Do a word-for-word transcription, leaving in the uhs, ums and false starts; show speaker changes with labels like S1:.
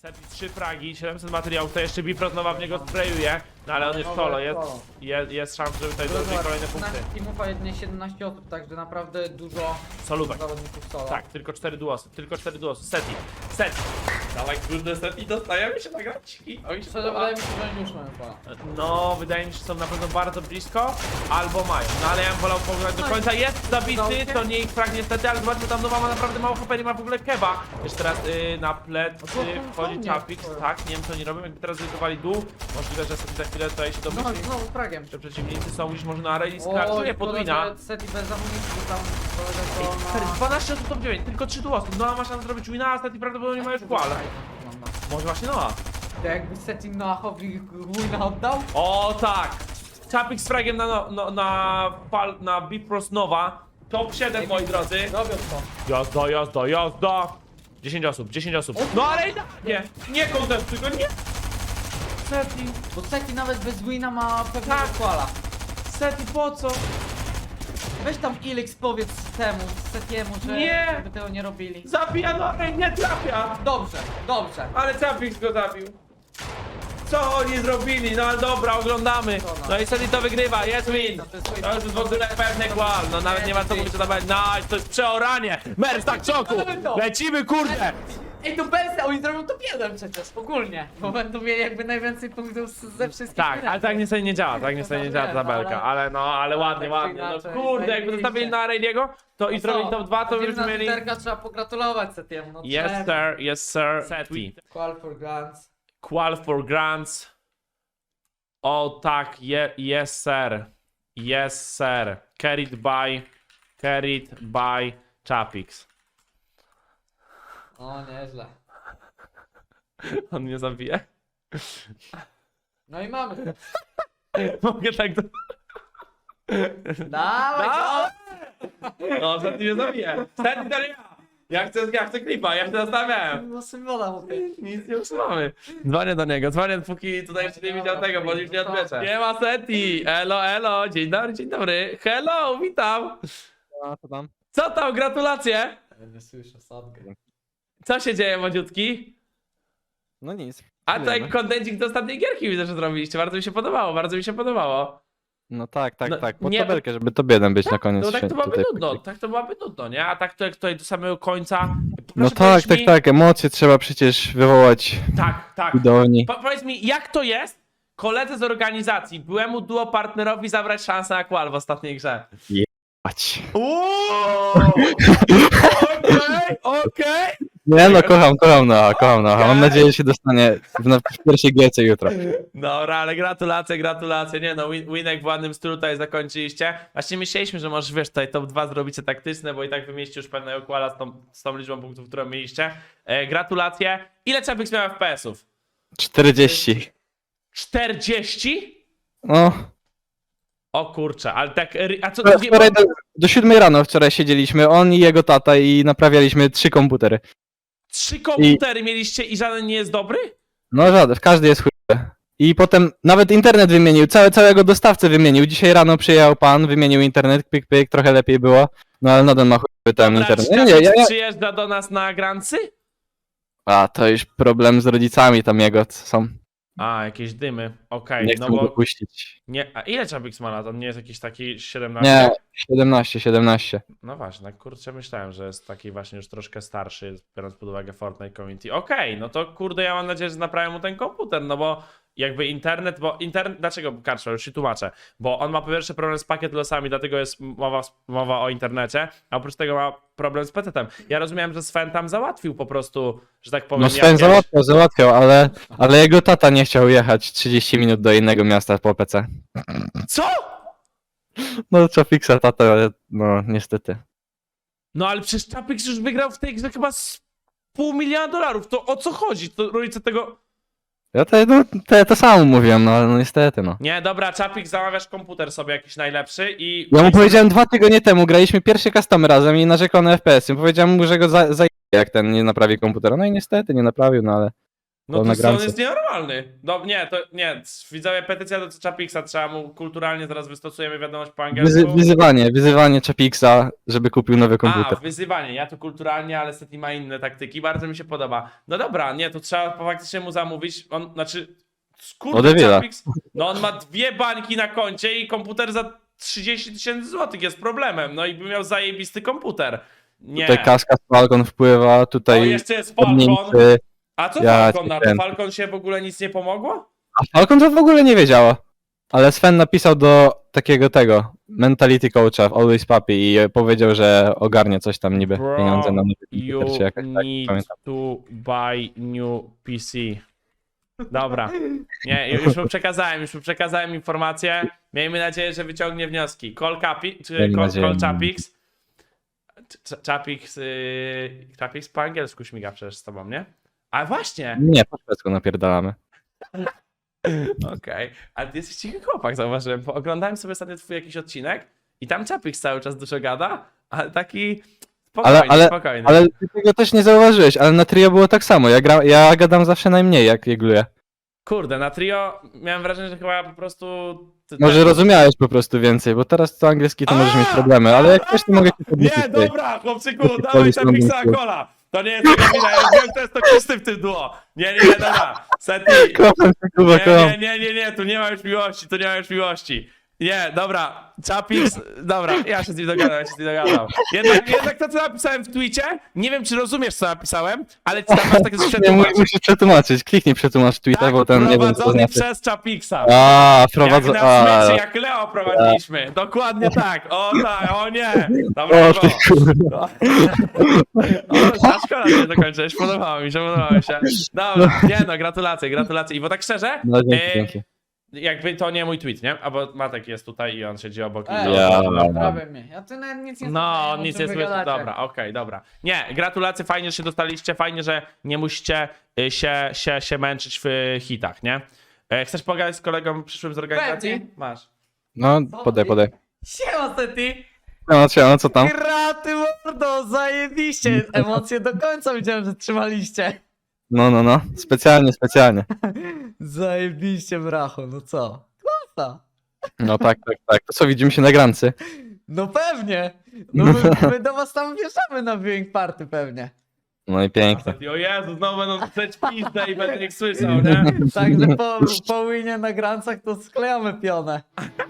S1: trzy fragi, siedemset materiałów, to jeszcze Bifrost nowa w niego sprayuje, no ale on jest solo, jest, jest, jest szansa, żeby tutaj zdobyć kolejne punkty.
S2: Teamów, a jedynie siedemnaście osób, także naprawdę dużo
S1: Solówek.
S2: zawodników solo.
S1: Tak, tylko cztery duosy, tylko cztery duosy. Seti, Seti. Dawaj, kurde, Seti, dostajemy się na graczki. Oj,
S2: Szczerze, wydaje mi się, że oni już mają pola.
S1: No, wydaje mi się, że są na pewno bardzo blisko, albo mają. No ale ja bym wolał pograć do końca. Jest zabity, to nie ich frag niestety, ale zobaczcie, tam Nowa ma naprawdę mało H P, nie ma w ogóle keba. Jeszcze teraz y, na plecy wchodzi Chapix, tak, nie wiem co oni robią, jakby teraz zrytowali dół. Możliwe, że Seti za chwilę tutaj się
S2: No,
S1: domyśli.
S2: znowu fragiem.
S1: Że przeciwnicy są już może na arenie skarżuje podwina.
S2: Seti bez amunicji, bo tam kolega to na...
S1: dwanaście osób top dziewięć, tylko trzy duosy. Noa ma szansę zrobić wina, a Seti prawdopodobnie ma już kwal. Może właśnie Noa.
S2: To jakby Seti Noachowi wina oddał?
S1: O tak! Chapik z fragiem na, no, no, na, pal, na Bifrost Nowa. Top siedem, moi drodzy.
S2: Robią to.
S1: Jazda, jazda, jazda. dziesięć osób, dziesięć osób. No ale i tak, nie, nie kontestuj go, nie. Seti,
S2: Bo Seti nawet bez wina ma pewnego
S1: Tak.
S2: kwala.
S1: Seti, po co?
S2: Weź tam Ilix powiedz temu, Setiemu, że
S1: Nie.
S2: żeby tego nie robili.
S1: Zabija, no ej, nie trafia.
S2: Dobrze, dobrze.
S1: Ale Chapik go zabił. Co oni zrobili? No ale dobra, oglądamy. No i Seti to wygrywa, jest win. To już jest w ogóle pewny głal, no nawet nie ma co mówić o tabeli. Nice, to jest przeoranie. Mer, tak czoku. Lecimy, kurde.
S2: Ej, to Belsy, oni zrobią top jeden przecież, ogólnie. Bo będą mieli jakby najwięcej punktów z- ze wszystkich.
S1: Tak, ale tak niestety nie działa, tak niestety nie działa ta tabelka, ale no, ale ładnie,
S2: tak
S1: ładnie.
S2: czy
S1: No
S2: inaczej,
S1: kurde, jakby zostawili na Areniego, to i zrobili top dwa, to byśmy mieli...
S2: Twitterka trzeba pogratulować Setiemu, no
S1: Yes
S2: trzeba.
S1: sir, yes sir. Seti.
S2: Call for grants.
S1: Qual for grants. O tak, je, yes sir. Yes sir. Carried by, carried by Chapix.
S2: O, nieźle.
S1: On mnie zabije?
S2: No i mamy.
S1: Mogę tak do...
S2: Dawaj,
S1: No! No, Seti mnie zabije. Seti to nie ja. Ja chcę, ja chcę klipa, ja się zastanawiałem.
S2: no symbiola mówię.
S1: Nic nie usuwamy. Dzwonię do niego, dzwonię póki tutaj jeszcze nie widział tego, bo już nie odbierze. Nie ma Seti! Elo, elo, dzień dobry, dzień dobry. Hello, witam.
S3: A co tam?
S1: Co tam, gratulacje?
S2: Ja nie słyszę sadkę.
S1: Co się dzieje, młodziutki?
S3: No nic.
S1: A
S3: Wiemy.
S1: tak kontencik do ostatniej gierki widzę, że zrobiliście. Bardzo mi się podobało, bardzo mi się podobało.
S3: No tak, tak,
S1: No,
S3: tak. Pod
S1: nie,
S3: tabelkę, żeby to biedem być na koniec.
S1: No tak to
S3: się
S1: byłoby
S3: tutaj
S1: nudno,
S3: pokryć.
S1: tak to byłoby nudno, nie? A tak to jak tutaj do samego końca.
S3: No
S1: Proszę
S3: tak,
S1: powiedz
S3: tak,
S1: mi-
S3: tak. Emocje trzeba przecież wywołać
S1: Tak, tak.
S3: w widowni.
S1: Po, powiedz mi, jak to jest koledze z organizacji, byłemu duo partnerowi zabrać szansę na kwal w ostatniej grze?
S3: Patrz.
S1: Uuuu! Okej, okej!
S3: Nie no, kocham, kocham Noa, kocham Noa. Mam nadzieję, że się dostanie w, na, w pierwszej gierce jutro.
S1: Dobra, ale gratulacje, gratulacje. Nie no, win, winek w ładnym stylu tutaj zakończyliście. Właśnie myśleliśmy, że możesz, wiesz, tutaj top dwa zrobicie taktyczne, bo i tak wymieścił już pewnego kwala z tą, z tą liczbą punktów, którą mieliście. E, gratulacje. Ile Chapix miał F P S-ów?
S3: czterdzieści.
S1: czterdzieści?
S3: No.
S1: O kurczę, ale tak... ry- A co...
S3: Wczoraj wczoraj do, do siódmej rano wczoraj siedzieliśmy, on i jego tata i naprawialiśmy trzy komputery.
S1: Trzy komputery mieliście i żaden nie jest dobry?
S3: No żaden, każdy jest chujowy. I potem nawet internet wymienił, całe, całego dostawcę wymienił. Dzisiaj rano przyjechał pan, wymienił internet, pyk, pyk, trochę lepiej było. No ale nadal ma chujowy ten
S1: Dobra,
S3: internet.
S1: czy
S3: Nie, nie,
S1: Chapix
S3: ja, ja...
S1: przyjeżdża do nas na grancy?
S3: A, to już problem z rodzicami tam jego co są.
S1: A, jakieś dymy. Okej,
S3: Nie
S1: no
S3: chcą go
S1: bo...
S3: puścić.
S1: Nie, a ile Chapix ma lat? On nie jest jakiś taki siedemnaście?
S3: Nie, siedemnaście, siedemnaście.
S1: No właśnie, tak kurczę myślałem, że jest taki właśnie już troszkę starszy, biorąc pod uwagę Fortnite Community. Okej, no to kurde, ja mam nadzieję, że naprawię mu ten komputer, no bo jakby internet, bo internet, dlaczego Karczo, już się tłumaczę, bo on ma po pierwsze problem z pakiet losami, dlatego jest mowa, mowa o internecie, a oprócz tego ma problem z petetem. Ja rozumiałem, że Sven tam załatwił po prostu, że tak powiem,
S3: No Sven
S1: jakieś-
S3: załatwiał, załatwiał, ale, ale jego tata nie chciał jechać trzydzieści minut do innego miasta po P C.
S1: Co?
S3: No co fixa tata, no niestety.
S1: No ale przecież Chapix już wygrał w tej grze chyba z pół miliona dolarów, to o co chodzi? To rodzice tego...
S3: Ja to, no, to, to samo mówiłem, no ale no niestety no.
S1: Nie, dobra, Chapix, zamawiasz komputer sobie jakiś najlepszy i...
S3: Ja mu powiedziałem dwa tygodnie temu, graliśmy pierwszy custom razem i narzekał na F P S. Powiedziałem mu, że go za, za jak ten nie naprawi komputera. No i niestety nie naprawił, no ale
S1: No
S3: To
S1: to
S3: na
S1: co, on
S3: grance.
S1: jest nienormalny. No nie, to nie, widzowie, petycja do Chapixa, trzeba mu kulturalnie, zaraz wystosujemy wiadomość po angielsku.
S3: Wyzy wyzywanie, wyzywanie Chapixa, żeby kupił nowy
S1: A,
S3: komputer.
S1: wyzywanie, ja tu kulturalnie, ale Seti ma inne taktyki, bardzo mi się podoba. No dobra, nie, to trzeba faktycznie mu zamówić, on, znaczy,
S3: Od
S1: kurde,
S3: Evila.
S1: Chapix, no on ma dwie bańki na koncie i komputer za trzydzieści tysięcy złotych jest problemem, no i by miał zajebisty komputer. Nie.
S3: Tutaj kaska z Falcon wpływa,
S1: O,
S3: tutaj
S1: jeszcze jest Falcon.
S3: podmięty.
S1: A co
S3: Ja
S1: Falcon
S3: cię
S1: na to?
S3: kręcę.
S1: Falcon się w ogóle nic nie pomogło?
S3: A Falcon to w ogóle nie wiedziała. Ale Sven napisał do takiego tego, mentality coacha w Always Puppy i powiedział, że ogarnie coś tam niby,
S1: Bro,
S3: pieniądze na nowy
S1: You
S3: komputer czy jakaś tak,
S1: need
S3: pamiętam.
S1: to buy new P C. Dobra. Nie, już mu przekazałem, już mu przekazałem informację. Miejmy nadzieję, że wyciągnie wnioski. Call Capi, czy
S3: Miejmy
S1: call,
S3: nadzieję.
S1: call Chapix. Ch- Chapix, yy, Chapix po angielsku śmiga przecież z tobą, nie? A właśnie!
S3: Nie, po szwedzku napierdalamy.
S1: Okej, ale ty jesteś cichy chłopak, zauważyłem, bo oglądałem sobie ostatnio twój jakiś odcinek i tam Chapix cały czas dużo gada, ale taki spokojny,
S3: Ale, ale,
S1: spokojny.
S3: ale ty tego też nie zauważyłeś, ale na trio było tak samo. Ja, gra, ja gadam zawsze najmniej, jak jegluję.
S1: Kurde, na trio miałem wrażenie, że chyba po prostu... ty-
S3: Może
S1: tak-
S3: rozumiałeś po prostu więcej, bo teraz to angielski to możesz mieć
S1: A!
S3: problemy, ale jak chcesz, to mogę ci podnieść.
S1: Nie,
S3: tutaj.
S1: dobra, chłopczyku,
S3: Taki
S1: dawaj
S3: polis
S1: Chapixa
S3: londyński.
S1: Cola. To nie jest jego wina, ja wiem, to jest to kisty w tym duo. Nie, nie, nie, dobra, Seti.
S3: Kocham cię, Kuba,
S1: Nie,
S3: kocham.
S1: nie, nie, nie, nie, tu nie ma już miłości, tu nie ma już miłości. Nie, dobra, Chapix, dobra, ja się z nim dogadam, ja się z nim dogadam. Jednak, jednak to, co napisałem w tweetie, nie wiem, czy rozumiesz, co napisałem, ale ci tam masz takie coś
S3: Nie, mu-
S1: przetłumaczyć.
S3: musisz przetłumaczyć, kliknij przetłumacz tweeta,
S1: Tak,
S3: bo ten nie wiem co to
S1: prowadzony
S3: znaczy.
S1: przez Chapixa.
S3: A,
S1: Jak
S3: prowadzę.
S1: na
S3: A,
S1: smyczy, jak Leo prowadziliśmy. Dokładnie tak. O tak, o nie. Dobra,
S3: o ty kurwa.
S1: o, a szkoda, że nie dokończyłeś. Podobało mi się, podobało mi się. Dobra, nie no, gratulacje, gratulacje. I bo tak szczerze,
S3: No dzięki,
S1: e,
S3: dzięki.
S1: jakby to nie mój tweet, nie? Albo Matek jest tutaj i on siedzi obok. i
S2: Ej,
S1: to-
S3: Ja-
S2: prawie mnie. Ja tu nawet nic nie
S1: No,
S2: słyszałem, o
S1: nic
S2: czym
S1: nie
S2: wy
S1: słyszę.
S2: gadacie.
S1: Dobra, okej, dobra. Nie, gratulacje, fajnie, że się dostaliście, fajnie, że nie musicie y, się, się, się męczyć w y, hitach, nie? E, Chcesz pogadać z kolegą przyszłym z organizacji?
S2: Pewnie.
S1: Masz.
S3: No, podaj, podaj.
S2: Siema, Seti!
S3: No, no co tam?
S2: Graty mordo, zajebiście! Emocje do końca widziałem, że trzymaliście.
S3: No, no, no. Specjalnie, specjalnie.
S2: Zajebiście, bracho, no co? Klasa!
S3: No tak, tak, tak. To co, widzimy się na grance?
S2: No pewnie! No my, my do was tam wjeżdżamy na viewing party pewnie.
S3: No i pięknie.
S1: O Jezu, znowu będą strzeć pizdę i będę ich słyszał, nie?
S2: Także po, po winie na grancach to sklejamy pionę.